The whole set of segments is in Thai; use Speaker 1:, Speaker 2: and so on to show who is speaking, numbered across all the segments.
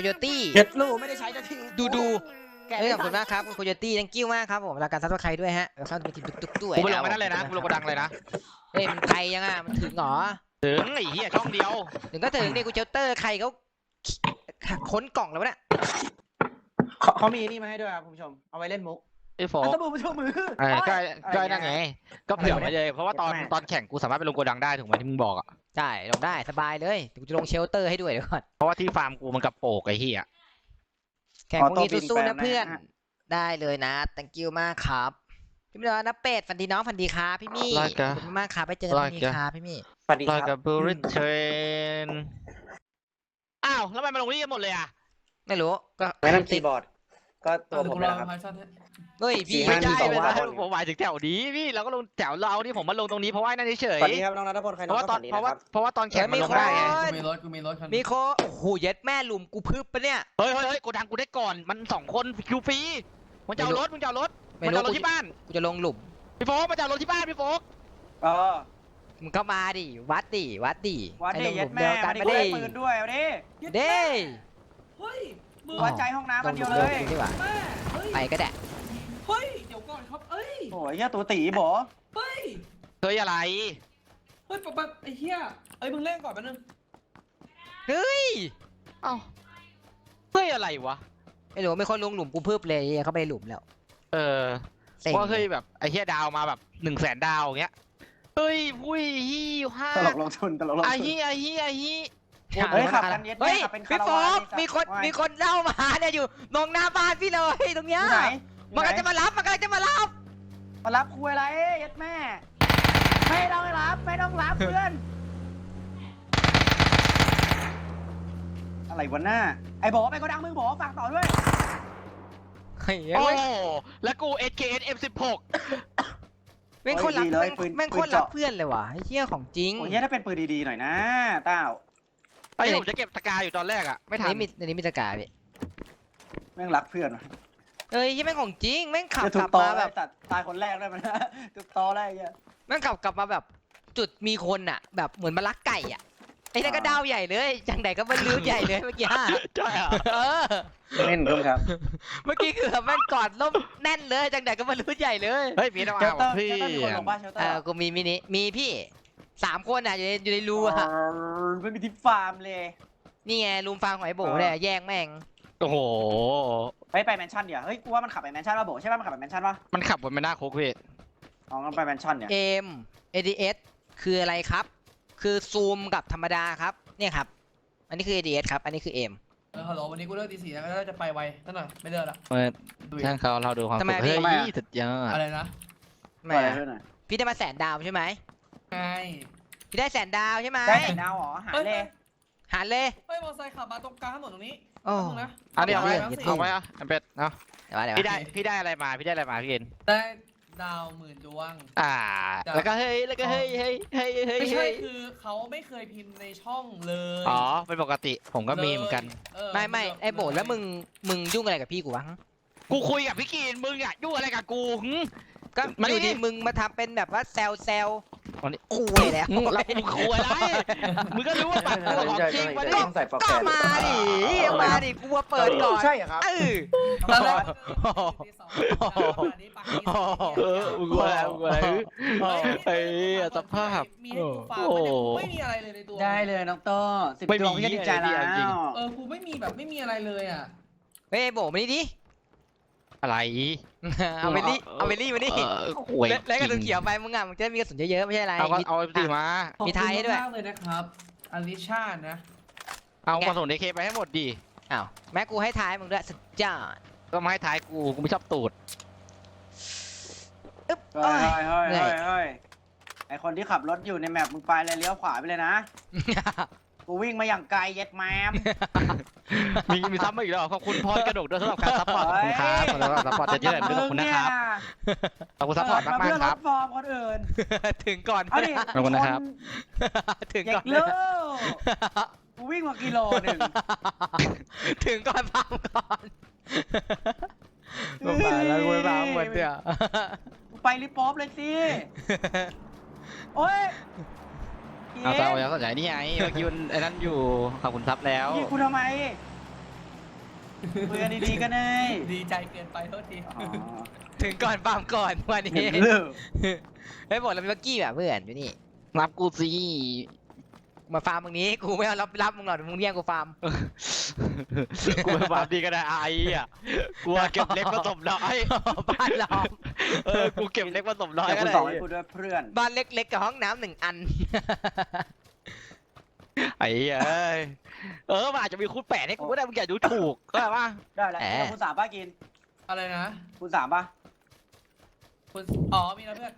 Speaker 1: โยตี้
Speaker 2: เจ็ดลูกไม่ได้ใช้นาที
Speaker 1: ดู
Speaker 2: แก
Speaker 1: ขอบคุณมากครับคุณโคโยตี้ทั้งกิ้วมากครับผมรายการซับสไครต์ด้วยฮะแล้วเข้าเป็นทีมตุ๊กด้วย
Speaker 3: กูไปลงไปนั่นเลยนะกูลงกระดังเลยนะ
Speaker 1: เฮ้ยมันไกลยังอ่ะมันถึงเหรอ
Speaker 3: ถึงไอ้เหี้ยช่องเดียว
Speaker 1: ถึงก็ถึงนี่กูเชลเตอร์ใครเขาค้นกล่องแล้วเนี่ย
Speaker 2: เขามีนี่มาให้ด้วยครับคุณผู้ชมเอาไว้เล่นมุก
Speaker 3: ไอ้โฟ
Speaker 2: อั
Speaker 3: ก
Speaker 2: นตบูมาช่วยมือ
Speaker 3: ก็นั่นไงก็เผื่อไว้เลยเพราะว่าตอนแข่งกูสามารถไปลงกระดังได้ถูกไหมที่มึงบอกอ่ะ
Speaker 1: ใช่ลงได้สบายเลยเดี๋ยวกูจะลงเชลเตอร์ให้ด้วยเดี๋ยวก่อน
Speaker 3: เพราะว่าที่ฟาร์มกูมันกระโปกไอ้เหี้ย
Speaker 1: แข่งพรุ่งนี้สู้ๆนะเพื่อนได้เลยนะ thank you มากครับพี่มิโนะเปดฝันดีน้องฝันดีครับพี่มี่ขอบคุณมากครับไปเจอกันพรุ่งนี้ครับพี่มี่
Speaker 2: สวัสดี
Speaker 3: ลอย
Speaker 2: ค
Speaker 3: กั
Speaker 2: รั
Speaker 3: บบ บูริเทรนอ้าวแล้วทำไมมาลงนี่กันหมดเลยอ่ะ
Speaker 1: ไม่รู้ก็
Speaker 2: ไม่นั่นคีย์บอร์ดก็ตัวผมนะครับ
Speaker 1: เฮ้ยพี่
Speaker 2: สี่
Speaker 3: ไม่
Speaker 2: ห้า
Speaker 3: ใช่เลยนะ
Speaker 2: 1 2 3
Speaker 3: ผมหมายถึงแถวนี้พี่เราก็ลงแถวเราที่ผมมาลงตรงนี้เพราะว่านั่นเฉย
Speaker 2: สวัสดีครับน้องนัทพลใคร
Speaker 3: เพ
Speaker 2: น้อ
Speaker 3: ราะ
Speaker 2: ง
Speaker 3: ว่าตอน
Speaker 2: สวัสดี
Speaker 3: เพราะ
Speaker 2: นะค
Speaker 3: ว่า
Speaker 2: รับ
Speaker 3: เพราะว่าตอนแข่งมันลงได้ไง
Speaker 4: กูมีรถ
Speaker 1: มีโคโอ้โหเย็ดแม่หลุมกูพึบปะเนี่ย
Speaker 3: เฮ้ยกูดังกูได้ก่อนมัน2 คนคิวฟรีมันจะเอารถมันจะเอารถมันจะเอารถที่บ้าน
Speaker 1: กูจะลงหลุม
Speaker 3: พี่โฟกมันจะเอารถที่บ้านพี่โฟก
Speaker 2: เออ
Speaker 1: มึงเข้ามาดิวัดดิ
Speaker 2: วัด
Speaker 1: ให้
Speaker 2: ดิ
Speaker 1: ลงห
Speaker 2: เย็
Speaker 1: ลุ
Speaker 2: ด
Speaker 1: ม
Speaker 2: แม่
Speaker 1: เดียวกัน
Speaker 2: มาดิ
Speaker 1: มา
Speaker 2: ได้
Speaker 1: ดิ
Speaker 2: ปืนด้วยเอาดิ
Speaker 1: เด้
Speaker 4: เฮ้ยมือ
Speaker 2: หัวใจห้องน้ำ
Speaker 1: ล
Speaker 2: มั
Speaker 1: ง
Speaker 2: น
Speaker 1: ห
Speaker 2: เดี
Speaker 1: ลุ
Speaker 2: ยว
Speaker 1: ม
Speaker 2: เล
Speaker 1: เดียวย กันดีกว่า
Speaker 4: แม่เฮ้ย
Speaker 1: ไปก็ได้
Speaker 4: เฮ้ยเดี๋ยวก่อนครับเอ้ย
Speaker 2: โอ้ยเหี้ยตัวตีบอ
Speaker 4: เฮ้ย
Speaker 3: เฮ้ยอะไร
Speaker 4: เฮ้ยปั๊บไอ้เหี้ยเอ้ยมึงเล่นก่อนแป๊บนึง
Speaker 1: เฮ้ย
Speaker 3: เอ้าเฮ้ยอะไรวะ
Speaker 1: ไม่รู้ไม่คนลงหลุมกูพึบเลยเข้าไปในหลุมแล้ว
Speaker 3: เออ
Speaker 1: เซ็ง
Speaker 3: ว่าเฮ้ยแบบไอ้เฮียดาวมาแบบ100,000 ดาวอย่างเงี้ยเฮ้ยวุ้ยฮิวห้า
Speaker 2: ตลกลงทุนตลกลง
Speaker 3: ไอ้
Speaker 2: ทุน
Speaker 3: ฮีไอ้ฮีไอ้ฮี
Speaker 2: เฮ้ยขับกันเย็ดแม่
Speaker 1: เฮ้ย
Speaker 2: ขับเป็น
Speaker 1: พี่
Speaker 2: คาราวา
Speaker 1: โฟก
Speaker 2: น
Speaker 1: มีคนเล่ามาเนี่ยอยู่มองหน้าบ้านพี่เลยตรงเนี้ย
Speaker 2: ที่ไหน
Speaker 1: มันกำลังจะมารับมันกำลังจะมารับ
Speaker 2: มารับคุยอะไรเย็ดแม่ไม่ต้องรับไม่ต้องรับเพื่อนอะไรวะหน้าไอ้บอกไปก็ดังมึงบอกฝากต่อด้วย
Speaker 1: เฮ้ย
Speaker 3: โอ้แล้วกู SKS M16
Speaker 1: แม่งโคนรักแม่งโคนรักเพื่อนเลยว่ะไอ้เหี้ยของจริง
Speaker 2: โอ้ยถ้าเป็นปืนดีๆหน่อยนะเต้า
Speaker 3: ไอ้ผมจะเก็บตะกาอยู่ตอนแรกอะไม่ทัน
Speaker 1: อันนี้มีตะกร้าพี่
Speaker 2: แม่งรักเพื่อน
Speaker 1: เอ้ยยี่แม่งของจริงแม่งขับ
Speaker 2: จะถู
Speaker 1: กลั
Speaker 2: ก
Speaker 1: บ
Speaker 2: ตอ
Speaker 1: มา
Speaker 2: แบ
Speaker 1: แบบ บ
Speaker 2: ตัดตายคนแรกได้ไหมนะถูกตอได้ยัง
Speaker 1: แม่งขับกลับมาแบบ จุดมีคนอ่ะ แบบเหมือนมาลักไก่อ่ะไอ้นั่นก็ดาวใหญ่เลยจังไหนก็บรรลุใหญ่เลยเมื่อกี้
Speaker 3: ใช่อะ
Speaker 1: เออ
Speaker 2: เล่นร่วมครับ
Speaker 1: เมื่อกี้คือแบบแม่งกอดล่มแน่นเลยจังไหนก็บรรลุใหญ่เลย
Speaker 3: เฮ้ยมีนะ
Speaker 2: เชลเตอ
Speaker 3: ว่า
Speaker 2: ร์
Speaker 3: พี่
Speaker 2: เชลเตอร์มีคนลงบ้านเชลเตอ
Speaker 1: เอ
Speaker 2: ร์
Speaker 1: อกูมีมินิมีพี่3 คนอ่ะอยู่ในรูอ่ะ
Speaker 2: ไม่มีที่ฟาร์มเลย
Speaker 1: นี่ไงรูมฟางของไอ้โบเนี่ยแย่งแม่ง
Speaker 3: โอ้โห
Speaker 2: ไปแมนชั่นเดี๋ยวเฮ้ยกูว่ามันขับไปแมนชั่นป่ะโบใช่ป่ะมันขับไปแมนชั่นป่ะ
Speaker 3: มันขับบนไม่น่าคุกพี่
Speaker 2: อ๋องั้นไปแมนชั่นเนี่ย
Speaker 1: เอ็ม ADS คืออะไรครับ คือซูมกับธรรมดาครับเนี่ยครับอันนี้คือ ADS ครับอันนี้คือเอ็ม
Speaker 4: ฮัลโหลวันนี้กูเลิกตี 4แล้วก็จะไปไวนั่นหน่อยไม่เลิกละ
Speaker 3: ช่างเขาเราดูความสุขเฮ้ยสุดยอด
Speaker 4: อะไรนะ
Speaker 1: แหม่
Speaker 2: อะไรด้วยหน่อย
Speaker 1: พี่ได้มา100,000 ดาวใช่ไหม
Speaker 4: ไง
Speaker 1: พี่ได้100,000 ดาวใช่ไหม
Speaker 2: ได้แต่ดาวเหรอหาเลย
Speaker 1: หาเลย
Speaker 4: เฮ้ยมอเตอร์ไซค์ขับมาตรงกลางถนนตรงนี้
Speaker 1: โอ้
Speaker 4: นะ
Speaker 3: อันนี้เอาไว้
Speaker 1: เดี๋ยว
Speaker 3: เอาไว้อะอันเป็ดเนาะ
Speaker 1: เดี๋ยวว่าเดี๋ยว
Speaker 3: พี่
Speaker 1: ว่า
Speaker 3: ได้พี่ได้อะไรมาพี่ได้อะไรมาพี่เอ็น
Speaker 4: ได้ดาว10,000 ดวง
Speaker 3: แล้วก็เฮ้ยแล้วก็เฮ้ยเฮ้ยเฮ้ยเฮ้ย
Speaker 4: ไม่ใช่
Speaker 3: เฮ้ย
Speaker 4: คือเขาไม่เคยพิมพ์ในช่องเลย
Speaker 3: อ๋อเป็นปกติผมก็มีเหมือนกัน
Speaker 1: ไม่ไอ้โบแล้วมึงยุ่งอะไรกับพี่กูวะ
Speaker 3: กูคุยกับพี่กีนมึงอะยุ่งอะไรกับกูหึ
Speaker 1: ก็
Speaker 3: มาดิ
Speaker 1: อยู่ดีมึงมาทำเป็นแบบว่าแซว
Speaker 3: วันนี้
Speaker 1: คุยแล้ว
Speaker 3: แล้วมึงคุยอะไรมึงก็รู้ว่าบัตรตัวของจริงวันนี้
Speaker 2: ต้องใส่ปลอก
Speaker 1: ก็
Speaker 2: แขน
Speaker 1: มาดิกูมาเปิดก่อน
Speaker 2: ใช่เหรอครับ
Speaker 4: ตอนแรก
Speaker 3: มึงคุยอะไรมึงคุยอะไรเฮ้ยสภาพ
Speaker 4: มีให้กูฟังไม่มีอะไรเลยในตัว
Speaker 2: ได้เลยน้องโต้10
Speaker 3: ไม่มี
Speaker 2: ดวงพี่ก็ดีใจแล้
Speaker 3: จริง
Speaker 2: ว
Speaker 4: กูไม่มีแบบไม่มีอะไรเลยอ่ะ
Speaker 1: เฮ้ยโบมานี่ดิ
Speaker 3: อะไร
Speaker 1: เอาเบลลี่มานี่
Speaker 3: หวย
Speaker 1: แล้วกระสุนเขียวไปมึงอ่ะมึงจะได้มีกระสุนเยอะๆไม่ใช่อะไร
Speaker 3: เอาตีมา
Speaker 1: มีไทยให้ด้วย
Speaker 4: ขอบคุณมากเลยนะครับอลิชานะ
Speaker 3: เอากระสุนเอเคไปให้หมดดิ
Speaker 1: อ้าวแม่กูให้ท้ายมึงด้วยสุดยอด
Speaker 3: ก็มาให้ท้ายกูไม่ชอบตูด
Speaker 1: อึ๊บ
Speaker 2: เฮ้ย
Speaker 1: โอ้ย
Speaker 2: เฮ้ยเฮ้ยเฮ้ยไอคนที่ขับรถอยู่ในแมปมึงไปเลยเลี้ยวขวาไปเลยนะ กูวิ่งมาอย่างไกลเย็ดแมม
Speaker 3: มีซ้ำมาอีกแล้วขอบคุณพรกระดกด้วยสำหรับการซัพพอร์ตขอบคุณครับสำหรับซัพพอร์ตจะเยอะด้วยขอบคุณนะครับขอบคุณซัพพอร์ตมาก
Speaker 2: เพื่อ
Speaker 3: ๆค
Speaker 2: ล
Speaker 3: รับ
Speaker 2: ดฟอร์มคนอื่น
Speaker 1: ถึงก่อน
Speaker 2: เอาดิ
Speaker 3: ขอบคุณนะครับ
Speaker 1: ถึง
Speaker 2: เด็
Speaker 1: ก่อก น
Speaker 2: เลิกกูวิ่งมากิโลหนึ่ง
Speaker 1: ถึงก่อนพังก่อนมาแล้วกูพังหมดเนี่ย
Speaker 2: กูไปรีบป๊อปเลยสิ โอ้ย
Speaker 3: เอาเตายังสนใจนี่ไงเมื่อกี้ไอ้นั่นอยู่ขอบคุณซับแล้ว
Speaker 2: ยิงกูทำไมคุยกันดีๆก็ได้
Speaker 4: ดีใจเกินไปโทษที
Speaker 2: อ๋อ
Speaker 1: ถึงก่อนฟาร์มก่อนวัน
Speaker 2: เห็
Speaker 1: นี้
Speaker 2: นเลิก
Speaker 1: เฮ้ยบอกเราเป็นบักกี้แบบเพื่อนอยู่นี่
Speaker 3: รับกูสิ
Speaker 1: มาฟาร์มมึงนี้กูไม่เอารับมึงหรอกมึงเรียกกูฟาร์ม
Speaker 3: กูไปฟาร์มดีก็ได้ไอ้อ่ะกูเก็บเล็กผสมน้อย
Speaker 1: บ้านล้อม
Speaker 3: กูเก็บเล็กผสมน้อย
Speaker 2: เดี๋ยว
Speaker 3: ก็
Speaker 2: คุณ
Speaker 3: ได้
Speaker 2: สองให้กูด้วยเพื่อน
Speaker 1: บ้านเล็กๆกับห้องน้ำ1 อัน
Speaker 3: ไอ้เอ้ยมันอาจจะมีคูณ8ให้กูก็ได้มึงอย่าดูถูกก็ได้ว่า
Speaker 2: ได้แล้วแล้วคุณสามป้ากิน
Speaker 4: อะไรนะ
Speaker 2: คุณสามป่ะ
Speaker 4: คุณอ๋อมีนะเพื่อน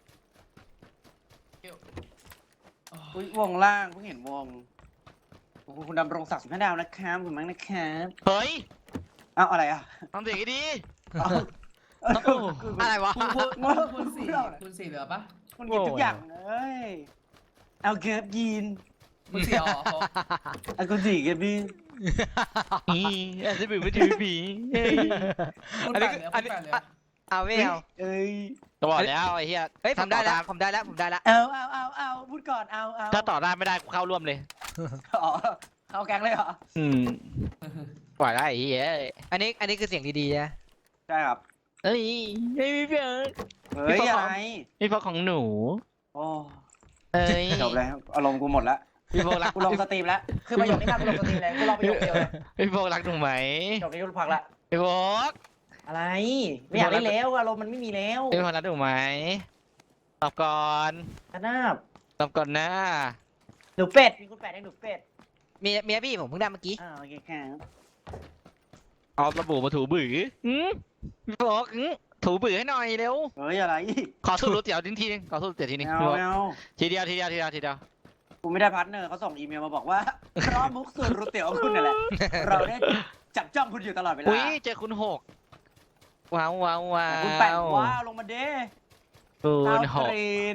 Speaker 4: เกี่ยวอ๋อ
Speaker 2: อุ๊ยวงล่างเพิ่งเห็นวงโอ้โหคุณดำรงศักดิ์15 ดาวนะครับคุณมั้งนะครับ
Speaker 3: เฮ้ย
Speaker 2: เอ้าอะไรอ่ะ
Speaker 3: ทำเสียงให้ดี
Speaker 2: เอ้าเอ้าคือ
Speaker 1: อะไรวะ
Speaker 4: คุณสี่เหลือปะ
Speaker 2: คุณกินทุกอย่างเลย เอาเก็บยีน
Speaker 4: คุณสี่อ๋อ
Speaker 2: เอาคุณสี่เก็บยีน
Speaker 3: อาจจะเป็นวิธีผี
Speaker 4: คุณ
Speaker 1: อัน
Speaker 4: แป
Speaker 1: นี้
Speaker 4: ดเหลือ
Speaker 1: อั
Speaker 4: คุ
Speaker 1: น
Speaker 4: ณ
Speaker 1: นี้
Speaker 4: แปดเหลือ
Speaker 1: เอาไม่เอา
Speaker 2: เอ้ย
Speaker 3: ก็บอกแล้วไอ้เหี้ย
Speaker 1: เฮ้ยผมได้แล้วผมได้แล้ว
Speaker 2: เอาพูดก่อนเอา
Speaker 3: ถ้าต่อได้ไม่ได้กูเข้าร่วมเลย
Speaker 2: อ๋อเอาแกงเลยเหรอ
Speaker 3: ปล่อยได้ไอ้เหี้ย
Speaker 1: อันนี้คือเสียงดีๆนะ
Speaker 2: ใช่ครับ
Speaker 3: เฮ้ยไม่มีเพื่อน
Speaker 2: เฮ้ยอะไร
Speaker 3: พี่พอของหนู
Speaker 2: โอ้
Speaker 3: เอ้ย
Speaker 2: จบแล้วอารมณ์กูหมดแล้ว
Speaker 3: พี่พอรัก
Speaker 2: กูลงสตรีมแล้วคือประโยคนี้มากูลงสตรีมเลยกูลองประโยคเดียวเลย
Speaker 3: พี่พอรักหนูไหม
Speaker 2: จบนี้กูพักละ
Speaker 3: พี่พอ
Speaker 2: อะไรไม่อยากเล่นแล้วอารมณ์มันไม่มีแล้ว
Speaker 3: พี่พอรักหนูไหมตอบก่อน
Speaker 2: กระนาบ
Speaker 3: ตอบก่อนนะ
Speaker 2: หนูเป็ดมีคุณแปดให้หนูเป็ด
Speaker 1: เมียพี่ผมเพิ่งได้เมื่อกี้
Speaker 2: โอเคครับ
Speaker 3: เอาสบู่มาถูบือพี่พอถูบือให้หน่อยเร็ว
Speaker 2: เฮ้ยอะไร
Speaker 3: ขอสูตรก๋วยเตี๋ยวทีนึงขอสูตรก๋วยเตี๋ยวทีนึง
Speaker 2: ไม่เอาไม่เอา
Speaker 3: ทีเดียว
Speaker 2: กูไม่ได้พาร์ทเนอร์เขาส่งอีเมลมาบอกว่า เพราะมุกสูตรรูเตี๋ยวของคุณนั่นแหละเราได้จับจ้องคุณอยู่ตลอดเวลา
Speaker 3: อุ้ยเจอคุณ6ว้าว
Speaker 2: คุณแปดว้าวลงมาเด้
Speaker 3: คุณ
Speaker 2: ดาว
Speaker 3: 6
Speaker 2: กรีน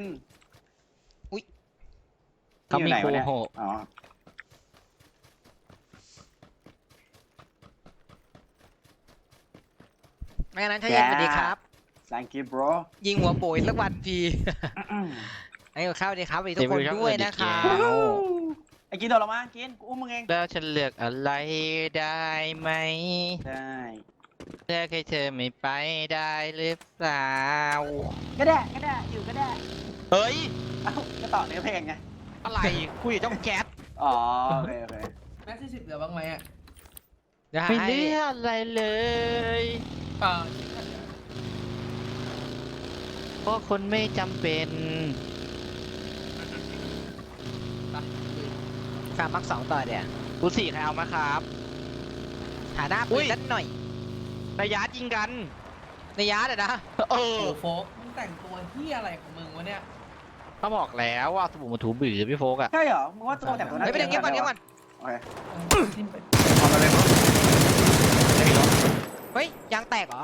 Speaker 3: เขามี
Speaker 2: อยู่ไหน
Speaker 3: คู
Speaker 2: วะเนี่ย
Speaker 3: 6
Speaker 2: อ๋อ
Speaker 1: ไม่งั้นใช่ยังสวัสดีครับ
Speaker 2: thank you bro
Speaker 1: ยิงหัวโบยสักวันพีให้กับข้าวดีครับสวัสดีทุกคนด้วยนะครับ
Speaker 2: ไอ้กินโดดลงมากินกูอุ้มมึงเอง
Speaker 3: แล้วฉันเลือกอะไรได้ไหม
Speaker 2: ได้
Speaker 3: เลือกให้เธอไม่ไปได้หรือเปล่า
Speaker 2: ก็ได้อยู่ก็ได้
Speaker 3: เฮ้ย
Speaker 2: เอ้าก็ต่อเนื้อเพลงไง
Speaker 3: อะไรคุยกับเจ้าแก๊ส
Speaker 2: อ๋อโอเค
Speaker 4: แม็กซี่10เหลือบ้างไหมอ่ะ
Speaker 1: เดี๋ยว
Speaker 3: ไม่
Speaker 1: ให้
Speaker 3: เลือกอะไรเลย
Speaker 4: เปล่า
Speaker 3: เพราะคนไม่จำเป็น
Speaker 1: ฟาร์มมัก2ต่อเดี๋ยว
Speaker 3: กู4ใครเอามาครับ
Speaker 1: หาหน้า
Speaker 3: อุ้
Speaker 1: ปืน
Speaker 3: ย
Speaker 1: สักหน่อย
Speaker 3: ระยะยิงกัน
Speaker 1: ในยาร์ดอะนะ
Speaker 3: เอ
Speaker 4: โอ้
Speaker 3: อ
Speaker 4: โฟกมึงแต่งตัวเฮียอะไรของมึงวะเนี่ย
Speaker 3: เขาบอกแล้วว่าสบู่มาถูบือพี่โฟกอะ
Speaker 2: ใช่เหรอมึงว่าตัวแต่งตัวนั้น
Speaker 1: เฮ้ยไปเดี๋ยวเงียบก่อน
Speaker 2: โอเค
Speaker 4: ทิมไป
Speaker 2: เอามาเลยมั้ง
Speaker 3: ไม่มีรถ
Speaker 1: เฮ้ยยางแตกเหรอ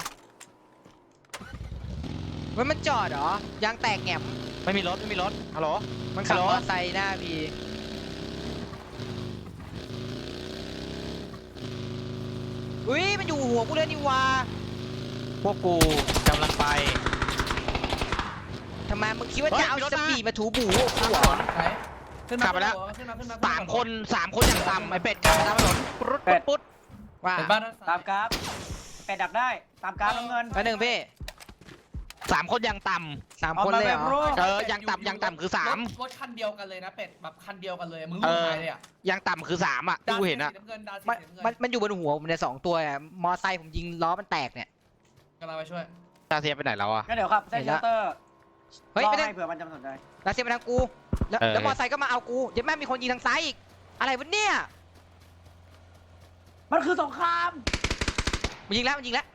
Speaker 1: เฮ้ยมันจอดเหรอยางแตกแง่ม
Speaker 3: ไม่มีรถฮัลโหล
Speaker 1: มันขับ
Speaker 3: ฮัล
Speaker 1: ม
Speaker 3: โหล
Speaker 1: อเตอร์ไซค์หน้าพีอุ้ยมันอยู่หัวกูเลยนี่วะ
Speaker 3: พวกกูกำลังไป
Speaker 1: ทำไมมึงคิดว่า
Speaker 3: เฮ้ย
Speaker 1: จะเอา
Speaker 3: มีรถ
Speaker 1: ส
Speaker 3: มา
Speaker 1: ปีดมาถูบูกูเหรอ
Speaker 4: ไหนขึ้นมา
Speaker 3: ขับไปแล้ว
Speaker 4: ขึ้นมา
Speaker 3: 3 คนอย่างต่ำไอเป็ดกลับมาตามถนนปุ๊ด
Speaker 1: ว่า
Speaker 4: เป็นบ้านด้านซ้าย
Speaker 2: ตามกราฟเป็ดดักได้ตามกราฟน้ำเงิน
Speaker 1: อันหนึ่งพี่
Speaker 3: 3 คนอย่างต่
Speaker 1: 3 คนเลยเหรอ
Speaker 3: ำอย่างต่ำคือ3
Speaker 4: รถคันเดียวกันเลยนะเป็ดแบบคันเดียวกันเลยมึง
Speaker 3: เอ
Speaker 4: รู้
Speaker 3: อ
Speaker 4: ใครเลยอ่ะ
Speaker 3: อย่างต่ำคือ3อ่ะที่กูเห็นอ่ะ
Speaker 4: ดาวสีำเงินดาวสี
Speaker 1: มัน
Speaker 4: น้ำเงิน
Speaker 1: มันอยู่บนหัวผมเนี่ย2 ตัวอะมอไซค์ผมยิงล้อมันแตกเนี่ย
Speaker 4: กำลังไปช่วย
Speaker 3: ตาเซียไปไหนแล้วอ่ะ
Speaker 2: งั้นเดี๋ยวครับเซนเชลเตอร์
Speaker 1: เฮ้ย
Speaker 2: รอ
Speaker 1: ไม่ได้
Speaker 2: ให้เผื่อมันจะสนใจ
Speaker 1: รัสเซียมาทางกูแล้ว
Speaker 3: เออ
Speaker 1: แล้วมอไซค์ก็มาเอากูเดี๋ยวแม่งมีคนยิงทางซ้ายอีกอะไรวะเนี่ย
Speaker 2: มันคือสงคราม
Speaker 1: มันยิงแล้วมันยิงกัน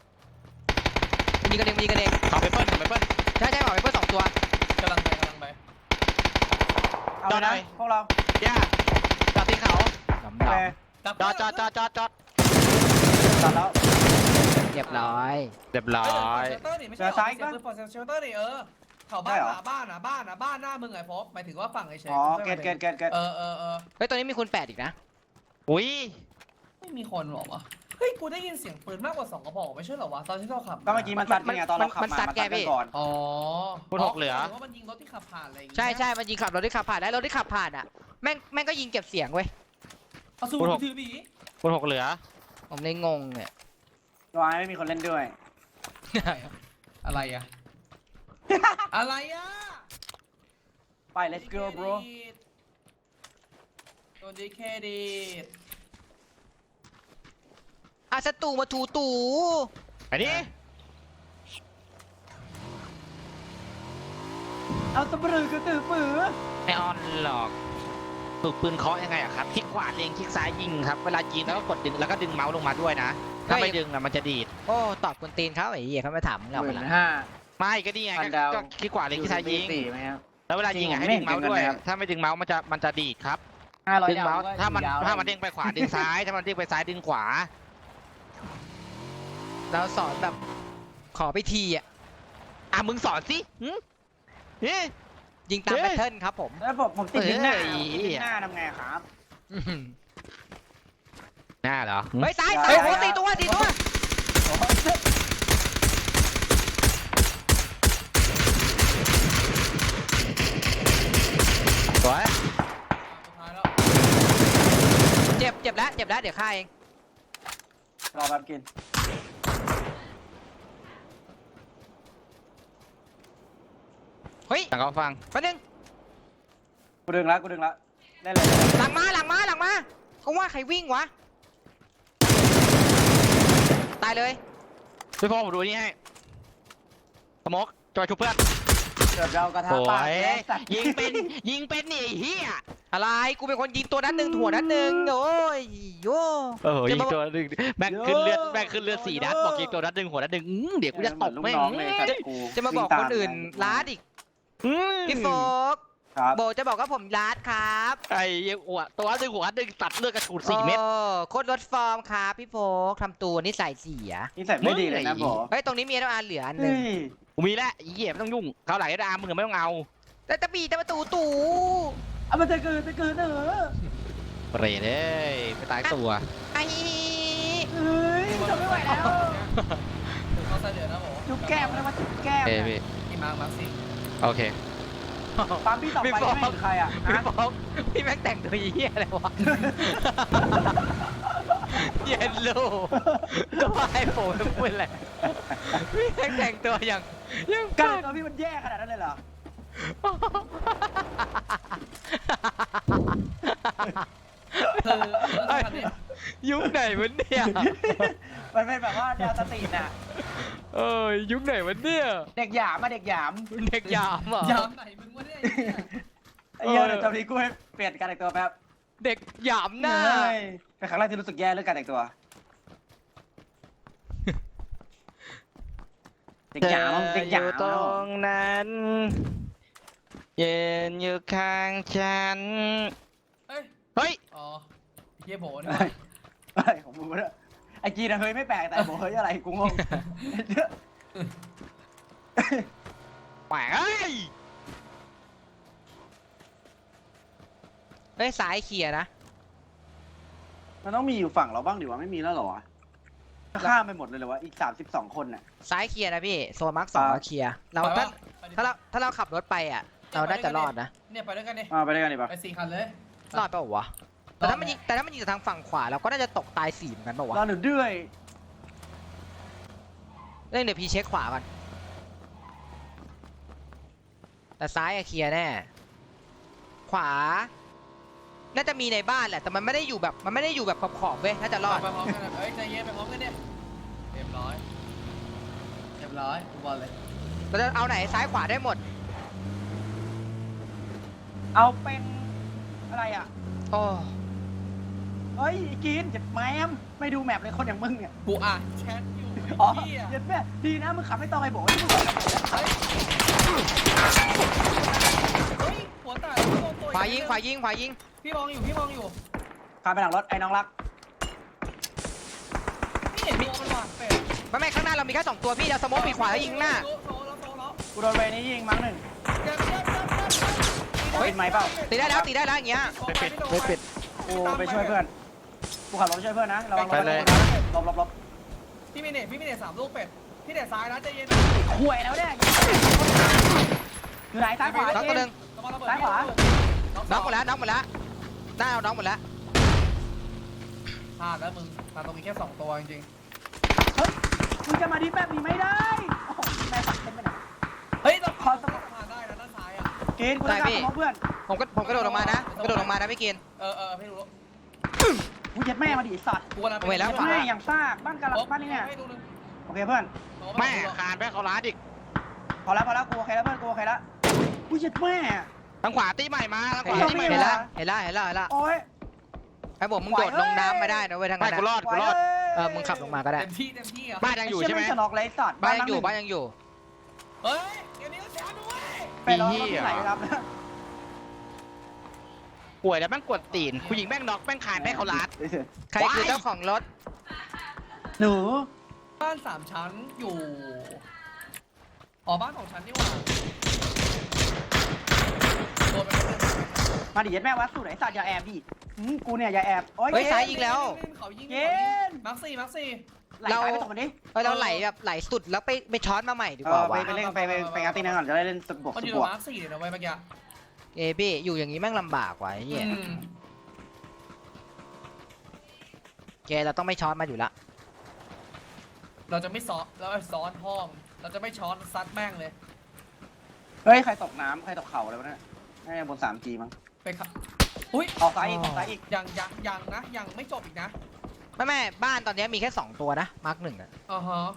Speaker 1: เอง
Speaker 3: ขอไปเปิ้ล
Speaker 1: ใช่บอกไปเพื่อ2 ตัว
Speaker 4: กำลังไป
Speaker 2: เอาไป
Speaker 3: จอดหน่
Speaker 2: นะ
Speaker 3: อย
Speaker 2: พวกเรา
Speaker 3: ย่าจอดที่เขา
Speaker 1: ดำ
Speaker 2: โอเค
Speaker 1: ด
Speaker 3: จอด
Speaker 2: ตัดแล้ว
Speaker 1: เรียบร้อย
Speaker 3: เรียบร้อย
Speaker 4: เชลเตอร์นี่ไม่ใช่เชลเตอร์นี่เขาบ้านบ้านหน้ามึงไงโฟกหมายถึงว่าฝั่งไอ้เชล
Speaker 2: อ๋อเกต
Speaker 4: เออ
Speaker 1: เฮ้ยตอนนี้มีคุณ8อีกนะ
Speaker 3: อุ้ย
Speaker 4: ไม่มีคนหรอวะเฮ้ยกูได้ยินเสียงปืนมากกว่า2 กระบอกไม่ใช่เหรอวะตอนที่เราขับ
Speaker 2: ก็เมื่อกี้มันซัดไงตอนเราขับมามันซัดกันก่อน
Speaker 4: อ๋อ
Speaker 3: คุณ6เหลือ
Speaker 4: ว่ามันยิงรถที่ขับผ่านอะไรอย่างงี้
Speaker 1: ใช่มันยิงขับรถที่ขับผ่านได้รถที่ขับผ่านอ่ะแม่งก็ยิงเก็บเสียงเว้ย
Speaker 4: เอาสู้ถือบี
Speaker 3: คุณ6เหลือ
Speaker 1: ผมเลยงงเนี่ย
Speaker 2: วายไม่มีคนเล่นด้วย
Speaker 4: อะไรอะ อะไรอะ
Speaker 2: ไป let's go bro
Speaker 4: โดนดีเครดิต
Speaker 1: อาสตูมาถูตู่
Speaker 3: ไปดิ
Speaker 2: เอาตะบรือกระตือปือ
Speaker 3: ไม่ออนหรอกฝึกปืนเคาะยังไงอะครับคลิกขวาเล็งคลิกซ้ายยิงครับเวลายิงแล้วก็กดดึงแล้วก็ดึงเมาส์ลงมาด้วยนะถ้าไม่ดึงอะมันจะดีด
Speaker 1: โอ้ตอบคนตีนเขาไอ้เหี้ยเขาไม่ถามเราไปละ
Speaker 2: 15,000
Speaker 3: ไม่ก็ดีไง
Speaker 2: พันดาว
Speaker 3: ก็คลิกขวาเล็งคลิกซ้ายยิง
Speaker 2: 4ไหมครับ
Speaker 3: แล้วเวลายิงอะ
Speaker 2: จริ
Speaker 3: ให้
Speaker 2: ง
Speaker 3: ดึงเมาส์ด้วย
Speaker 2: ไม่เห็นกันเลยครับ
Speaker 3: ถ้าไม่ดึงเมาส์มันจะดีดครับ
Speaker 2: 500
Speaker 3: ดึงเมาส์
Speaker 2: ดว
Speaker 3: ถ้ามัน
Speaker 2: ยว
Speaker 3: ถ้ามันเด้งไปขวาดึงซ้ายถ้ามันเด้งไปซ้ายดึงขวา
Speaker 1: เราสอนแบบขอไปทีอ่ะ
Speaker 3: อ่ะมึงสอนสิหึนี่
Speaker 1: ยิงตาม
Speaker 3: เฮ้
Speaker 1: แพ
Speaker 3: ย
Speaker 1: ทเทิร์นครับผม
Speaker 2: แล้วผมติดลิ้นหน้า
Speaker 3: เอ้ย
Speaker 2: ผมติดลิ้นหน้าทำไงครับ
Speaker 1: อื้อหือ
Speaker 3: หน้าเหรอหึ
Speaker 1: เฮ้ยซ้าย
Speaker 2: อย่า
Speaker 1: ซ้าย
Speaker 2: อย่า
Speaker 1: โอ้
Speaker 2: อย่า
Speaker 1: ตีตัวตีตัว
Speaker 3: สวย
Speaker 4: สุดท้ายแล้ว
Speaker 1: เจ็บแล้วเจ็บแล้วเดี๋ยวฆ่าเอง
Speaker 2: รอแป๊บกิน
Speaker 1: เฮ้ย
Speaker 3: ต่างก็ฟัง
Speaker 1: แป๊บนึง
Speaker 2: กูดึงแล้วเล่นเลย
Speaker 1: หลังมาเขาว่าใครวิ่งวะตายเลย
Speaker 3: พี่พ่อผมดูนี่ให้สโมกจอยชุบเพื่อน
Speaker 2: เกือบเรากระทะ
Speaker 3: โอ้
Speaker 2: ปาก
Speaker 3: ย
Speaker 2: แล้สัตว์
Speaker 3: ยิงเป็นนี่ไอ้เหี้ย
Speaker 1: อะไรกูเป็นคนยิงตัวนั้นหนึ่งถั่วนั้นหนึ่งโอ้ยโย่
Speaker 3: โอ้โหยิงตัวหนึ่งแม่งขึ้นเลือด4 นัดบอกยิงตัวนัดหนึ่งหัวนัดหนึ่งเดี๋ยวกูจะตบ
Speaker 2: ลูก
Speaker 3: แม่ง
Speaker 2: น้องเลยสัตว์กู
Speaker 1: จะมาบอกคนอื่นล้าดอีก
Speaker 3: อืม
Speaker 1: พี่โฟก
Speaker 2: ครับ
Speaker 1: โบจะบอกว่าผมล้าดครับ
Speaker 3: ไอ้เหี้ยอ้วตัวนัดหนึ่งหัวนัดหนึ่งตัดเลือดกระฉูด4 เม็ด
Speaker 1: โอ้โคตรลดฟอร์มครับพี่โฟกทำตัวนิสัยเสีย
Speaker 2: นี่ใส่ไม่ดีเลยนะ
Speaker 3: มึง
Speaker 2: โบ
Speaker 1: เฮ้ยตรงนี้มีน้ำอาเหลืออันหนึ่
Speaker 2: เฮ้
Speaker 1: ง
Speaker 2: ย
Speaker 3: กูมีแล้วไอ้เหี้ยไม่ต้องยุ่งเขาไหลได้มึงไม่ต้องเอา
Speaker 1: แต่ตะปีแต่ประตูตู่
Speaker 2: เอามันจะเกินเนอะ
Speaker 3: เปรตเอ้ยไปตายตัว
Speaker 1: ไอ้
Speaker 2: เฮ้ยทนไม่ไหวแล้ว
Speaker 4: เขาเสนอนะผม
Speaker 2: จุ๊บแก้มเลยมาจุ๊บแก้ม
Speaker 3: เอ้ยพี่
Speaker 4: พี่มาร์คสิ
Speaker 3: โอเค
Speaker 2: ปั๊มพี่ต่อไปไม่เห็นใครอ่ะ
Speaker 1: พี่
Speaker 2: ฮะ
Speaker 1: โฟกพี่แม่งแต่งตัวเหี้ยอะไรวะเย็นลูกก็ให้ผมพูดแหละพี่แม่งแต่งตัวอย่าง
Speaker 2: การ
Speaker 1: บ้า
Speaker 2: ตัวพี่มันแย่ขนาดนั้นเลยเหรอ
Speaker 4: คันนี้
Speaker 1: ยุคไหนวะเนี่ย
Speaker 2: มันเป็นแบบว่าแนวสตรีทน่ะ
Speaker 1: เอ้ยยุคไหนวะเนี่ย
Speaker 2: เด็กหยามมาเด็กหยาม
Speaker 1: เด็กยามเหรอย
Speaker 4: ามไหนมึงวะเนี่ย
Speaker 2: ไอ้เหี้ยเดี๋ยวจำนี้กูให้เปลี่ยนการแต่งตัวแป๊บ
Speaker 1: เด็กยามหน้า
Speaker 2: เฮ้ยเป็นครั้งแรกที่รู้สึกแย่เรื่องการแต่งตัว เด็กหยามเด็กหยาม
Speaker 3: อยู่ตรงนั้นยืนอยู่ข้างฉัน
Speaker 4: เฮ้ย
Speaker 3: เฮ้ย
Speaker 4: อ๋อเฮียโบนี่
Speaker 2: เฮ้ยอะไรของมึงวะเนี่ยไอ้กีนะเฮ้ยไม่แปลกแต่บอกเฮ้ยอะไรกูงง
Speaker 3: แหมเอ้ย
Speaker 1: เฮ้ยสายเคลียร์นะ
Speaker 2: มันต้องมีอยู่ฝั่งเราบ้างดิวะไม่มีแล้วเหรอวะข้ามไปหมดเลยเหรอวะอีก32 คนน่ะ
Speaker 1: ซ้ายเคลียร์นะพี่โซนมาร์ค2เราเคลียร์เราถ้าเราขับรถไปอ่ะ เราน่าจะรอดนะ
Speaker 4: เนี่ยไปด้วยกันดิ
Speaker 2: ไปด้วยกันดิปะ
Speaker 4: ไป4 คันเลย
Speaker 1: รอดเปล่าวะแต่ถ้ามันยิงจากทางฝั่งขวาเราก็น่าจะตกตาย4เหมือนกันเปล่าวะ
Speaker 2: รอหนูด้วย
Speaker 1: เรื่องเดี๋ยวพี่เช็คขวาก่อนแต่ซ้ายอะเคลียร์แน่ขวา น่าจะมีในบ้านแหละแต่มันไม่ได้อยู่แบบขอบๆเว้ยน่าจะรอด
Speaker 4: ไปพร้อมกันเฮ้ยใจเย็นไปพร้อมกันเนี่ยเรียบร้อยกูบอลเลย
Speaker 1: เราจะเอาไหนซ้ายขวาได้หมด
Speaker 2: เอาเป็นอะไรอ่ะ
Speaker 1: โอ้
Speaker 2: เฮ้ยไอ้กินเจ็บแมมไม่ดูแมปเลยคนอย่างมึงเนี่ย
Speaker 4: กูอ่านแชทอยู่
Speaker 2: อ๋อ
Speaker 4: ไอ้เหี้ย
Speaker 2: เจ็บแม่ดีนะมึงขับไม่ต้องไอ้บอกว่ามึงขับ
Speaker 4: เฮ้ยหัวแตกตัว
Speaker 1: ขวายิง
Speaker 4: พี่มองอยู่
Speaker 2: ขับไปหลังรถไอ้น้องรัก
Speaker 4: พี่เห็นตัวมันหวานเป็ด
Speaker 1: ไม่ข้างหน้าเรามีแค่2ตัวพี่เราสโมกปีกขวาแล้วยิงหน้า
Speaker 4: โซแล้ว
Speaker 2: กูโดนเวนี้ยิงมั้งหนึ่ง
Speaker 4: เจ็บ
Speaker 2: เป็นไหมเปล่า
Speaker 1: ตีได้แล้วอย่างเงี้ย
Speaker 3: ไม่ปิด
Speaker 2: กูไปช่วยเพื่อนกูขับรถไปช่วยเพื่อนนะระวังรถ
Speaker 3: ไปเลย
Speaker 2: ลบ
Speaker 4: พี่มีเน็ต3 ลูกเป็ดพี่เน็ตซ้ายนะใจเย็น
Speaker 2: ข่วยแล้วเนี่ยอยู่ไหนซ้ายขวา
Speaker 1: น็อกตัวหนึ่ง
Speaker 2: ซ้ายขวา
Speaker 1: น็อกหมดแล้วหน้าเอาน็อกหมดแล้ว
Speaker 4: พลาดแล้วมึงมาตรงนี้แค่2ตัวจริง
Speaker 2: มึงจะมาดีแบบนี้ไม่ได้โอ้โหแม่ฝักเต็มไปหน่อย
Speaker 4: ๆเฮ้ยเราพอสะพานได้นะด้านซ้ายอ่ะ
Speaker 2: กินกูต้องการสมองเพื่อน
Speaker 1: ผมกระโดดลงมานะกระโดดลงมานะพี่กิน
Speaker 4: ไม่รู้
Speaker 2: กูยัดแม่มาดิสัตว์
Speaker 4: กูกำลัง
Speaker 1: เวลา
Speaker 2: ยัดแม่อย่างซากบ้านกาลบ้านนี่เนี่ย
Speaker 4: ให้ดูนึง
Speaker 2: โอเคเพื่อน
Speaker 3: แม่คานไปเขาร้านอีก
Speaker 2: พอแล้วกูโอเคแล้วเพื่อนกูโอเคแล้วกูยัดแม่
Speaker 3: ทางขวาตีใหม่มาทางขวาตีใหม่
Speaker 1: เห็น
Speaker 3: มา
Speaker 1: ละเห็นละ
Speaker 2: โอ้ย
Speaker 1: ไอ้ผมมึงโดดลงน้ำมาได้นะเว้ยทาง
Speaker 3: ไม่
Speaker 1: นั้น
Speaker 3: กูรอดกูรอด
Speaker 1: มึงขับลงมาก็ได้
Speaker 4: เต็มที่อ่ะ
Speaker 3: บ้านยังอยู่ใช่ไหม
Speaker 2: จะนอกไรสัตว์
Speaker 1: บ้านยังอยู่
Speaker 4: เฮ้ยเดี๋ยวนี้ก็แชมป์ด้วย
Speaker 2: ไปรอที่ไหนครับ
Speaker 3: ป่วยแล้วแม่งกดตีนผู้หญิงแม่งน็อกแม่งคานไปเขาร้าน
Speaker 1: ใครคือเจ้าของรถ
Speaker 2: หนู
Speaker 4: บ้าน3 ชั้นอยู่บ้าน2 ชั้นนี่หว่าตัวเป็น
Speaker 2: มาดิยัดแม่วัดสูตรไอ้สัตว์อย่าแอบดิกูเนี่ยอย่าแอบโอ้ย
Speaker 1: เฮ้ยซ้ายยิงแล้ว
Speaker 4: เขายิง
Speaker 2: เย็น
Speaker 4: มาร์คสี่
Speaker 2: ไหลซ้ายไปตกมันดิ
Speaker 1: เราไหลแบบไหลสุดแล้วไปช้อนมาใหม่ดีกว่า
Speaker 2: ไป
Speaker 1: วะ
Speaker 2: เล่นไปงานตีนึงก่อนจะได้เล่นสบวก
Speaker 4: มัน
Speaker 2: ส
Speaker 4: อยู่
Speaker 2: บวก
Speaker 4: มาร์คสี่เลยนะเว้ยเมื่อกี้
Speaker 1: พี่อยู่อย่างนี้แม่งลำบากว่ะไอ้เหี้ยแกเราต้องไม่ช้อนมาอยู่ละ
Speaker 4: เราจะไม่ซ้อนเราซ้อนห้องเราจะไม่ช้อนซัดแม่งเลย
Speaker 2: เฮ้ยใครตกน้ำใครตกเข่าอะไรวะเนี่ยน่าจะบน 3G มั้ง
Speaker 4: ไปครับอุ้ย
Speaker 2: ออกซ้ายอีกออกซ้ายอีก
Speaker 4: ยังนะยังไม่จบอีกนะ
Speaker 1: ไม่บ้านตอนนี้มีแค่2ตัวนะมาร์ก1อ่ะ
Speaker 4: ฮะ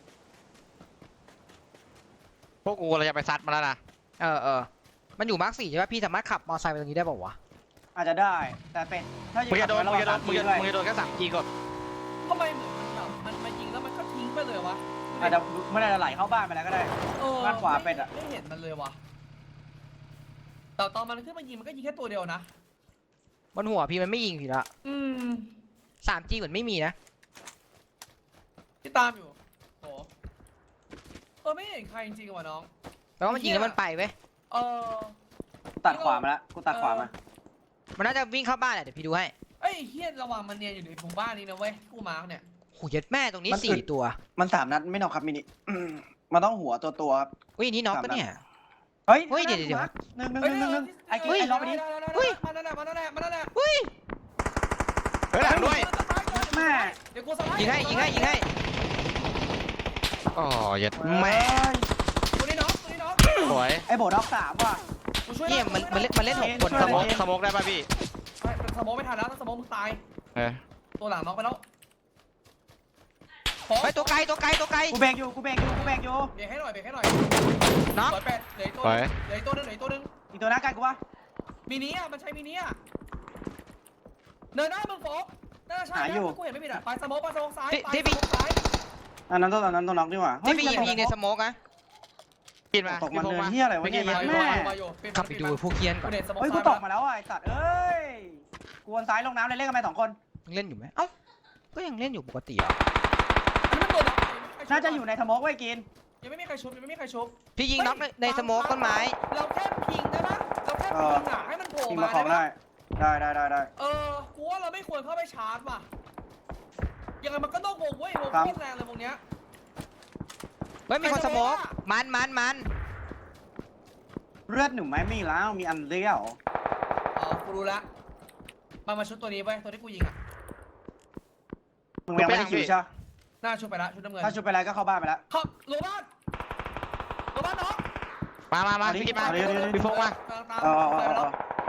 Speaker 3: พวกกูเราจะไปซัดมาแล้วนะ
Speaker 1: มันอยู่มาร์ก4ใช่ไหมพี่สามารถขับมอเตอร์ไซค์ไปตรงนี้ได้ป่าววะ
Speaker 2: อาจจะได้แต่เป็นถ้า
Speaker 3: มึงจะโดน
Speaker 2: ระ
Speaker 3: มึ
Speaker 2: วั
Speaker 3: งจะโดน
Speaker 2: 3G
Speaker 3: มึงจะ
Speaker 2: ด้วย
Speaker 3: มึงจะโดนแค่3G กด
Speaker 4: ทำไมเหมือนมันมายิงแล้วมันก็ทิ้งไปเลยวะ
Speaker 2: อาจจะไม่ได้ไหลเข้าบ้านไปแล้วก็ได้ บ้านขวาเป็นอะ
Speaker 4: ไม่เห็นมันเลยวะแต่ตอนมันขึ้นมายิงมันก็ยิงแค่ตัวเดียวนะ
Speaker 1: บนหัวพี่มันไม่ยิงพี่ละ 3G เหมือนไม่มีนะ
Speaker 4: ที่ตามอยู่โหไม่เห็นใครจริงๆว่ะน้อง
Speaker 1: แปลว่ามันยิงแล้วมันไปเว้ย
Speaker 2: ตัดขวามาแล้วกูตัดขวามา
Speaker 1: มันน่าจะวิ่งเข้าบ้านแหละเดี๋ยวพี่ดูให้
Speaker 4: เอ้ยเฮียระวังมันเนียนอยู่ในหมู่บ้านนี้นะเว้ยกูมาร์กเนี่ย
Speaker 1: โหยัดแม่ตรงนี้4ตัว
Speaker 2: มัน3 นัดไม่นอกครับมินิมันต้องหัวตัวครับ
Speaker 1: อุ้ยนี่น็อกปะเนี่ย
Speaker 2: เฮ้ย
Speaker 1: เฮ้ยเดี๋ยว
Speaker 2: หนึ่งไอ้กิ๊กไอ้ล็อกไปดิ
Speaker 4: มันนั่นแหละมันนั่นแหละมันนั่นแหละ
Speaker 1: อุ้ย
Speaker 3: เฮ้ยหลังด้วย
Speaker 2: แม่
Speaker 4: เดี๋ยวกูสไลด์
Speaker 1: ยิงให้
Speaker 3: อ๋อเย็ดแม่
Speaker 4: ตัวนี้น้องตัวนี้น้อง
Speaker 3: สวย
Speaker 2: ไอ้โบด็อก3ว่ะ
Speaker 4: กูช่วย
Speaker 1: เนี่ยมันเล่น6คน
Speaker 3: สโมกสโมกได้ป่ะพี่
Speaker 4: สมองไม่ทันแล้วถ้าสมองมึงตาย
Speaker 3: เออ
Speaker 4: ตัวหลังน้องไปแล้ว
Speaker 1: เฮ้ยตัวไกล
Speaker 2: กูเบรกอยู่
Speaker 4: เบรกให้หน่อย
Speaker 1: น็อก
Speaker 4: สวยแปดเหลืออีกตัวเหลืออีกตัวนึง
Speaker 2: อีกตัวหน้ากันกูวะ
Speaker 4: มินิอ่ะมันใช้มินิอ่ะเนินหน้ามึงโฟกน่าใช่กูเห็นไม่ผิดอ่ะไปสมองซ้ายซ้าย
Speaker 2: อันนั้นตัวน็อกดีกว่า
Speaker 1: ที่พี่ยิงในสโมกนะ
Speaker 3: กินมา
Speaker 2: ตกมันเนินเฮียอะไรวะเนี่ยแม่
Speaker 1: ขับไปดูพวกเคียนก่อน
Speaker 2: เฮ้ยกูตกมาแล้วไอ้สัตว์เอ้ยกูวนซ้ายลงน้ำเลยเล่นกันไป2 คน
Speaker 1: ยังเล่นอยู่ไหมเอ้าก็ยังเล่นอยู่ปกติอ่ะ
Speaker 2: น่าจะอยู่ในทมกไว้กิน
Speaker 4: ยังไม่มีใครชุบ
Speaker 1: พี่ยิงน็อกในสโมกต้นไม้
Speaker 4: เราแค่พิงได้ปะเราแค่พิงอ่ะให้มันโผล่
Speaker 2: ทีม
Speaker 4: มา
Speaker 2: มาของได้
Speaker 4: กูว่าเราไม่ควรเข้าไปชาร์จว่ะยังไงมันก็ต้องวงเว้ยวงโคตรแรงเลยวงเนี้ย
Speaker 1: เฮ้ยมีคนสโมกมัน
Speaker 2: เลือดหนูไม่มีแล้วมีอันเลี้ยว
Speaker 4: กูรู้ละมาชุดตัวนี้ไปตัวที่กูยิงอ่ะ
Speaker 2: มึงยังไม่ได้คิวใช่
Speaker 4: หน้าชุดไปละชุดน้ำเงิน
Speaker 2: ถ้าชุดไปแล้วก็เข้าบ้านไปแล้ว
Speaker 4: เข้าโรบ้านน้อง
Speaker 3: มาพี่กินมาพี่ฟงมา
Speaker 4: ตามไปแล้ว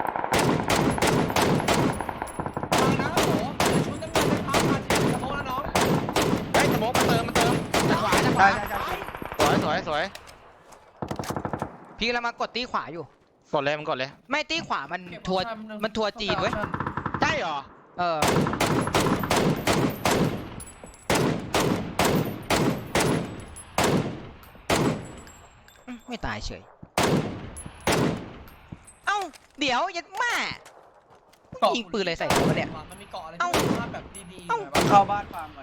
Speaker 4: นะโหชุดน้ำเงินนะครับมาจีสมองแล้วน้อง
Speaker 3: เฮ้ยสโมกมันเติมทางขวา
Speaker 2: ใช่
Speaker 3: สวย
Speaker 1: พี่กำลังมากดตีขวาอยู่
Speaker 3: กดเลยมันกดเลย
Speaker 1: ไม่ตีขวามันทัวร์จีนเว้ย
Speaker 3: ใช่เหรอ
Speaker 1: ไม่ตายเฉยเอ้าเดี๋ยวยัดแม่ยิงปืนเลยใส่หัวเนี่ย
Speaker 4: มันมีเกาะอะไร
Speaker 1: เอ้า
Speaker 4: ที่ภาพแบบดีๆแบบ
Speaker 2: เข้าบ้านฟาร์มก่อน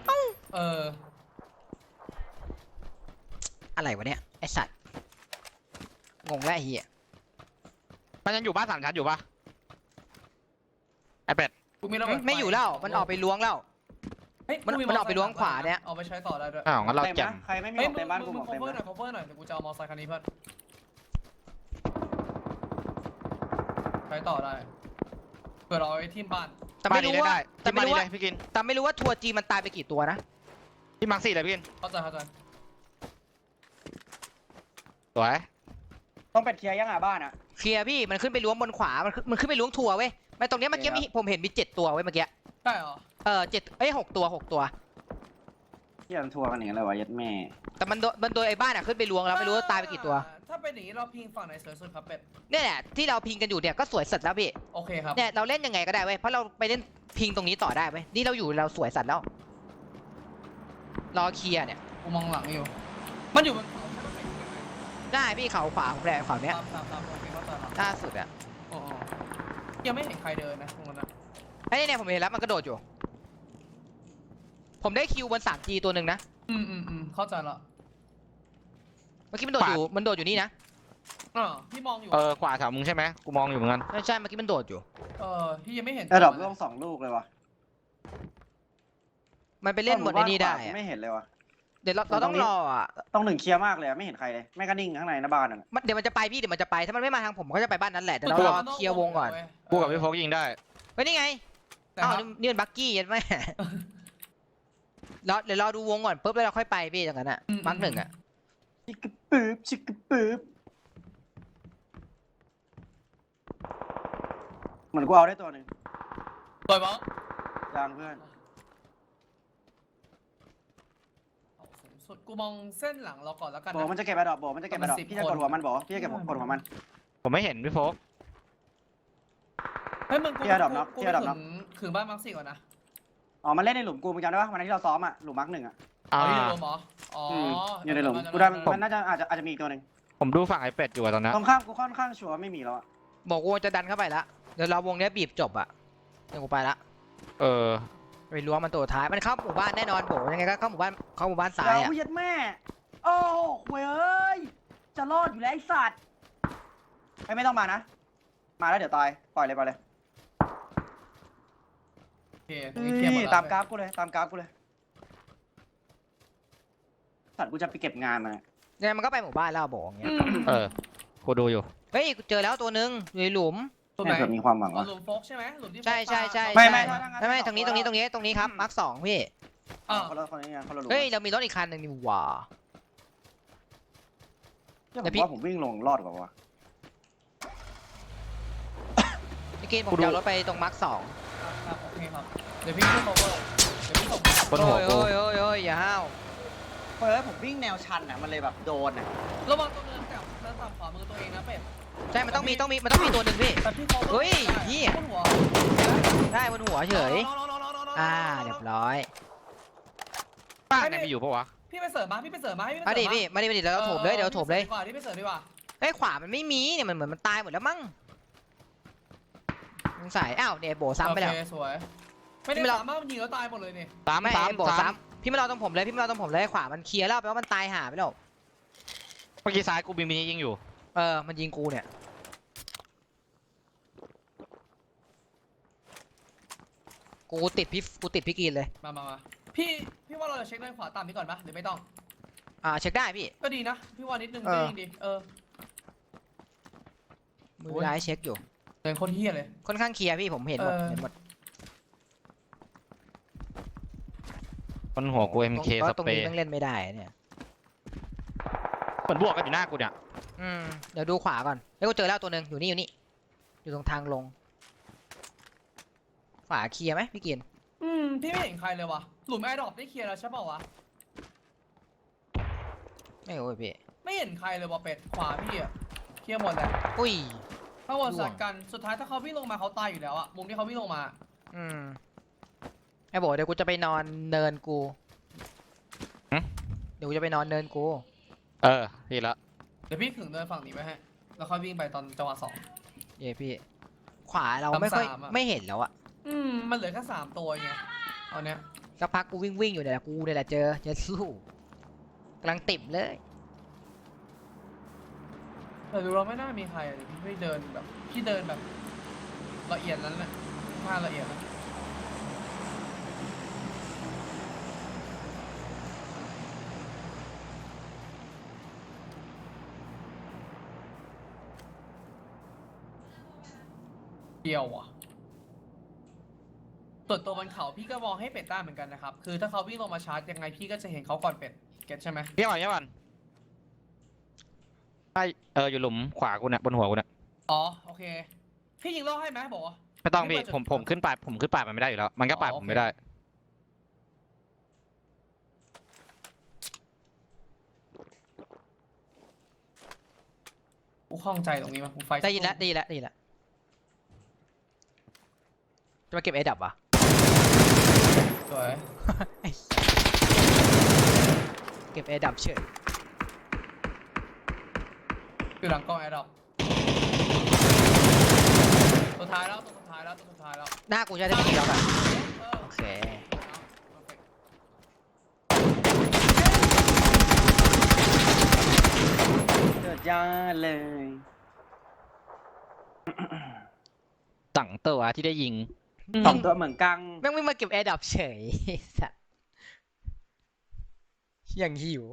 Speaker 1: อะไรวะเนี่ยไอสัตว์งงแล้วไอ้เหี้ย
Speaker 3: มันยังอยู่บ้าน3 ชั้นอยู่ป่ะไอเป็ด
Speaker 1: ไม่อยู่แล้วมันออกไปล้วงแล้ว มันออกไปล้วงขวาเนี่ย
Speaker 4: เอาไปใช้ต่อได้ด้วย
Speaker 3: อ้าวงั้นเรา
Speaker 2: เต็ม
Speaker 3: แจ่ม
Speaker 2: นะใครไม่มี
Speaker 4: เฮ้ย
Speaker 2: เต็มบ้านกู
Speaker 4: มึ
Speaker 2: บ
Speaker 4: ง
Speaker 2: อกเต็ม
Speaker 4: cover หน่
Speaker 2: นะ
Speaker 4: อย cover หน่อยเดี๋ยวกูจะเอามอไซค์คันนี้เพื่อนใช้ต่อได้เผื่อเราเอาไว้ทีมบ้าน
Speaker 1: ตแต่ไม่รู้ว่า
Speaker 3: แต่ไม่รู้ว่าพี่กิน
Speaker 1: แต่ไม่รู้ว่าทัวร์จีมันตายไปกี่ตัวนะ
Speaker 3: พี่มาร์ค4เลยพี่กิน
Speaker 4: เข้าใจ
Speaker 3: สวย
Speaker 2: ต้องเป็ดเคลียร์ยังบ้านอ่ะ
Speaker 1: เคลียร์พี่มันขึ้นไปล้วงบนขวามันขึ้นไปล้วงทัวร์เว้ยไม่ตรงเนี้ยเมื่อกี้ผมเห็นมี7ตัวเว้ยเมื่อกี้
Speaker 4: ใช่เหรอ
Speaker 1: 6 ตัว
Speaker 2: ที่ยังทัวร์กันอย่างไรวะยัดแม่
Speaker 1: แต่มันโดนไอ้บ้านอ่ะขึ้นไปล้วงแล้วไม่รู้ว่าตายไปกี่ตัว
Speaker 4: ถ้าเป็นอย่างนี้เราพิงฝั่งไหนสวยสุดครับเป็ด
Speaker 1: เนี่ยแหละที่เราพิงกันอยู่เนี่ยก็สวยสัตว์แล้วพี่
Speaker 4: โอเคครับ
Speaker 1: เนี่ยเราเล่นยังไงก็ได้เว้ยเพราะเราไปเล่นพิงตรงนี้ต่อได้เว้ยนี่เราอยู่เราสวยสัตว์แล้วรอเคลียร์เนี่ย
Speaker 4: กูมองหลังอยู่มันอยู่บนเขา
Speaker 1: ได้พี่เขาขวาของแรงขวาเนี้ย
Speaker 4: ตามโอเคเข้าใจครับ
Speaker 1: ล่าสุดอ่ะ
Speaker 4: อ๋อยังไม่เห็นใครเดินนะตรงนั้นนะ
Speaker 1: ไอ้เนี่ยผมเห็นแล้วมันกระโดดอยู่ ผมได้คิวบน 3G ตัวหนึ่งนะ
Speaker 4: เข้าใจละ
Speaker 1: เมื่อกี้มันโดดอยู่นี่นะ
Speaker 4: พี่มองอยู่
Speaker 3: ขวาแถวมึงใช่ไหมกูมองอยู่เหมือนกัน
Speaker 1: ใช่เมื่อกี้มันโดดอยู่
Speaker 4: พี่ยังไม่เห็น
Speaker 2: ระดับล่วง2 ลูกเลยวะ
Speaker 1: มันไปเล่นหมดไอ้นี่ได้อะ
Speaker 2: ไม่เห็นเลยวะ
Speaker 1: เดี๋ยวเราต้องรออ่ะ
Speaker 2: ต้อง1เคลียร์มากเลยไม่เห็นใครเลยแม่ก็นิ่งข้างในหน้าบ้านอ่ะ
Speaker 1: เดี๋ยวมันจะไปพี่เดี๋ยวมันจะไปถ้ามันไม่มาทางผมก็จะไปบ้านนั้นแหละแต่เรารอเคลียร์วงก่อน
Speaker 3: กูกับพี่โฟกยิงได้
Speaker 1: เฮ้ยนี่ไงอ้าวนี่มันบักกี้ยันแม่เดี๋ยวรอดูวงก่อนปุ๊บแล้วเราค่อยไปพี่อย่างนั้นอ่ะมาร์ค 1อ่ะ
Speaker 2: ชิกกะปื๊บชิกกะปื๊บเหมือนกูเอาได้ตัวหนึ่ง
Speaker 4: สวยมั้ง
Speaker 2: ยางเพื่อน
Speaker 4: สุดกูมองเส้นหลังเราก่อนแล้วกัน
Speaker 2: โบมันจะเก็บไอ้ดอกโบมันจะเก็บไอ้ดอกพี่จะกดหัวมันบอกพี่จะเก็บกดหัวมัน
Speaker 3: ผมไม่เห็นพี่โฟก
Speaker 4: เฮ้ยมึงกู
Speaker 2: เทียร์ดอกน็อก
Speaker 4: กู
Speaker 2: เทียร์ดอกน็อก
Speaker 4: ถึงบ้านมาร์ค 4ก่อนนะ
Speaker 2: อ๋อมันเล่นในหลุมกูมึงจำได้ปะวันนั้นที่เราซ้อมอ่ะหลุมมาร์ก 1อ่ะ
Speaker 4: อยู่ในหลุมเหรออ๋อ
Speaker 2: อยู่ในหลุมกูได้มันน่าจะอาจจะมีอีกตัวหนึ่ง
Speaker 3: ผมดูฝั่งไอ้เป็ดอยู่อะตอนนั้น
Speaker 2: ตรงข้ามกูค่อนข้างชัวร์ไม่มีแล้วอ่ะ
Speaker 1: บอกวงจะดันเข้าไปละเดี๋ยวเราวงเนี้ยบีบจบอ่ะเดี๋ยวกูไปละ ไปล้วงมันตัวท้ายมันเข้าหมู่บ้านแน่นอนโบยังไงก็เข้าหมู่บ้านซ้าย
Speaker 2: เรา
Speaker 1: อ่ะ
Speaker 2: เย็ดแม่ โอ้โหเว้ยจะรอดอยู่แล้วไอ้สัตว์ไม่ต้องมานะ มาแล้วเดี๋ยวตายปล่อยเลย
Speaker 4: โอเคเคลียร์หมดแล้ว
Speaker 2: ตามกราฟกูเลยสัตว์กูจะไปเก็บงานมา
Speaker 1: เนี่ยมันก็ไปหมู่บ้านแล้วโบอย่างเงี้ย
Speaker 3: กูดูอยู่
Speaker 1: เฮ้ยกูเจอแล้วตัวหนึ่งอยู่ในหลุม
Speaker 4: ตรงไหน
Speaker 2: เผื่อมีความหวัง
Speaker 4: อ๋อ
Speaker 2: วะ
Speaker 4: หลุมโฟกใช่ไหมหลุมที่
Speaker 1: ใช่
Speaker 2: ไม่
Speaker 1: ไม่ตรงนี้ครับมาร์ค 2พี่
Speaker 2: คนละหลุม
Speaker 1: เฮ้ยเรามีรถอีกคันหนึ่งนี่หว่า
Speaker 2: ผมว่าผมวิ่งลงรอดกว่าวะ
Speaker 1: พี่กินผมจะเอารถไปตรงมาร์ค 2
Speaker 4: โอเคครับเดี๋ยวพี่ขึ้นโอเวอร์เดี๋ยวพี่ส่ง
Speaker 3: บนหัวกู
Speaker 1: โอ้ยอย่าห้าว
Speaker 2: เฮ้ยผมวิ่งแนวชันอ่ะมันเลยแบบโดนอ่ะ
Speaker 4: ระวังตัวเนินกับเนินต่ำขวามือตัวเองนะเป็ด
Speaker 1: ใช่มันต้องมีตัวหนึ่งพี่
Speaker 4: แต่พี่เขา
Speaker 1: เฮ้ยเหี้ย
Speaker 4: บนหัว
Speaker 1: ได้บนหัวเฉยเรียบร้อย
Speaker 3: บ้านเนี่ยมีอยู่ปะวะ
Speaker 4: พี่ไปเสริมมาพี่ไปเสริมมาให้พี่
Speaker 1: มาดิพี่มาดิเดี๋ยวเราโถมเลย
Speaker 4: ดีกว่าที่ไปเสริมดีกว่า
Speaker 1: เฮ้ยขวามันไม่มีเนี่ยมันเหมือนมันตายหมดแล้วมั้งสงสัยอ้าวเนี่ยโบซ้ำไปแล้ว
Speaker 4: โอเคสวยไม่ได้สามารถมันยิงแล้วตายหมดเลยนี่
Speaker 1: ไม่โบซ้ำพี่ไม่รอตรงผมเลยขวามันเคลียร์แล้วแปลว่ามันตายหาไปแล้ว
Speaker 3: เมื่อกี้ซ้ายกูมีมินิยิงอยู่
Speaker 1: มันยิงกูเนี่ยกูติดพี่กินเลย
Speaker 4: มาพี่ว่าเราจะเช็คด้านขวาตามนี้ก่อนปะหรือไม่ต้อง
Speaker 1: เช็คได้พี่
Speaker 4: ก็ดีนะพี่ว่านิดนึงก็ยิ่งดี
Speaker 1: มือร้ายเช็คอยู่
Speaker 4: เดินคนเฮี้ยเลย
Speaker 1: ค่อนข้างเคลียร์พี่ผมเห็นหมด
Speaker 3: บนหัวกู MK ส
Speaker 1: ตรง
Speaker 3: เปร
Speaker 1: นี้
Speaker 3: ย์
Speaker 1: ต้องเล่นไม่ได้เนี่ย
Speaker 3: เหมือนบวกกันอยู่หน้ากูเนี่ย
Speaker 1: เดี๋ยวดูขวาก่อนแล้วกูเจอแล้วตัวหนึ่งอยู่นี่อยู่ตรงทางลงขวาเคลียร์ไหมพี่กิน
Speaker 4: พี่ไม่เห็นใครเลยว่ะหลุมแอร์ดรอปได้เคลียร์แล้วใช่ป่าวะ
Speaker 1: ไม่โอ้ยพี่
Speaker 4: ไม่เห็นใครเลยว่ะเป็ดขวาพี่อะเคลียร์หมดเลย
Speaker 1: อุ้ย
Speaker 4: ถ้าวนสัตว์กันสุดท้ายถ้าเขาวิ่งลงมาเขาตายอยู่แล้วอะมุมที่เขาวิ่งลงมา
Speaker 1: ไอ้โบเดี๋ยวกูจะไปนอนเนินกูเดี๋ยวกูจะไปนอนเนินกู
Speaker 3: ดีละ
Speaker 4: เดี๋ยวพี่ถึงเดินฝั่งนี้ไปให้แล้วค่อยวิ่งไปตอนจังหวะ2
Speaker 1: เย่พี่ขวาเราไม่ค่อยไม่เห็นแล้วอะ
Speaker 4: มันเหลือแค่3ตัวไงตอนเนี้ย
Speaker 1: สักพักกูวิ่งอยู่เนี่ยกูเนี่ยแหละเจอสู้กำลังติ่มเลย
Speaker 4: แต่ดูเราไม่น่ามีใครเลยพี่เดินแบบละเอียดนั้นแหละท่าละเอียดนะเดียวอ่ะส่วนตัวบนเขาพี่ก็มองให้เป็ดได้เหมือนกันนะครับคือถ้าเขาวิ่งลงมาชาร์จยังไงพี่ก็จะเห็นเขาก่อนเป็ดเก็ตใช่ไหม
Speaker 3: เยี่ยมก่อนใช่อยู่หลุมขวากูเนี่ยบนหัวกูเนี่ย
Speaker 4: อ๋อโอเคพี่ยิงโล่ให้ไหมบอก
Speaker 3: ไม่ต้องพี่ผมขึ้นป่ายมันไม่ได้อยู่แล้วมันก็ป่ายผมไม่ได้
Speaker 4: กูข้องใจตรงนี้มั้ยกูไฟ
Speaker 1: ได้ยินแล้วจะมาเก็บเอดับวะ
Speaker 4: สวย
Speaker 1: เก็บเอดับเฉย
Speaker 4: อยู่หลังกล้องแอร์ดรอปตัวท้ายแล้ว
Speaker 1: หน้ากูจะได้ไม่ยิงแล้วกันโอเค
Speaker 2: เกิดยาเลย
Speaker 3: สั่งตัวที่ได้ยิง
Speaker 2: สองตัวเหมือนกัง
Speaker 1: แม่งไม่มาเก็บแอร์ดับเฉยสัตว์ยังหิว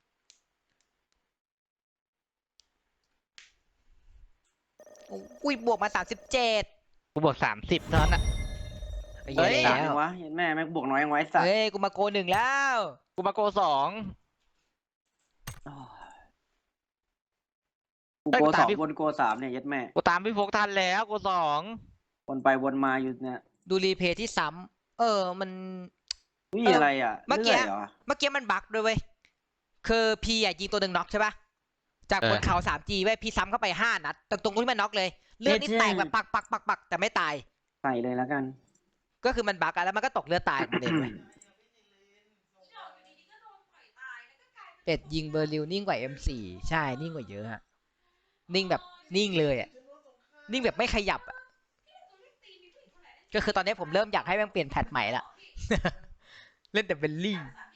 Speaker 1: อุ้ยบวกมา37
Speaker 3: กูบอก30เท่านั้นอ่ะ
Speaker 1: เฮ้ย
Speaker 2: สามยังวะเห็นแม่แม่งบวกน้อยยังไว้สัตว์
Speaker 1: เฮ้ยกูมาโก1แล้ว
Speaker 3: กูมาโก2
Speaker 2: กูโกสองบนโกสามเนี่ยยัดแม่
Speaker 3: กูตามพี่โฟกทันแล้วโก2
Speaker 2: วนไปวนมาอยู่เนี่ย
Speaker 1: ดูรีเพย์ที่ซ้ำมัน
Speaker 2: นี่อะไรอ่ะ
Speaker 1: เมื่อกี้
Speaker 2: รื่ยเหรอ
Speaker 1: เมื่อกี้มันบั๊กด้วยเว้ยคือพีอ่ะยิงตัวหนึ่งน็อกใช่ปะจากบนเขา 3G เว้ยพีซ้ำเข้าไป5 นัดตรงที่มันน็อกเลยเลือดนี่แตกแบบปักแต่ไม่ตาย
Speaker 2: ใส่เลยแล้วกัน
Speaker 1: ก็คือมันบั๊กอะแล้วมันก็ตกเลือดตายมันเองเว้ยเป็ดยิงเบอร์ลิวนิ่งกว่า M4 ใช่นิ่งกว่าเยอะฮะนิ่งแบบนิ่งเลยอ่ะนิ่งแบบไม่ขยับอ่ะก็คือตอนนี้ผมเริ่มอยากให้แม่งเปลี่ยนแพทใหม่ละ เล่นแต่เบลลี่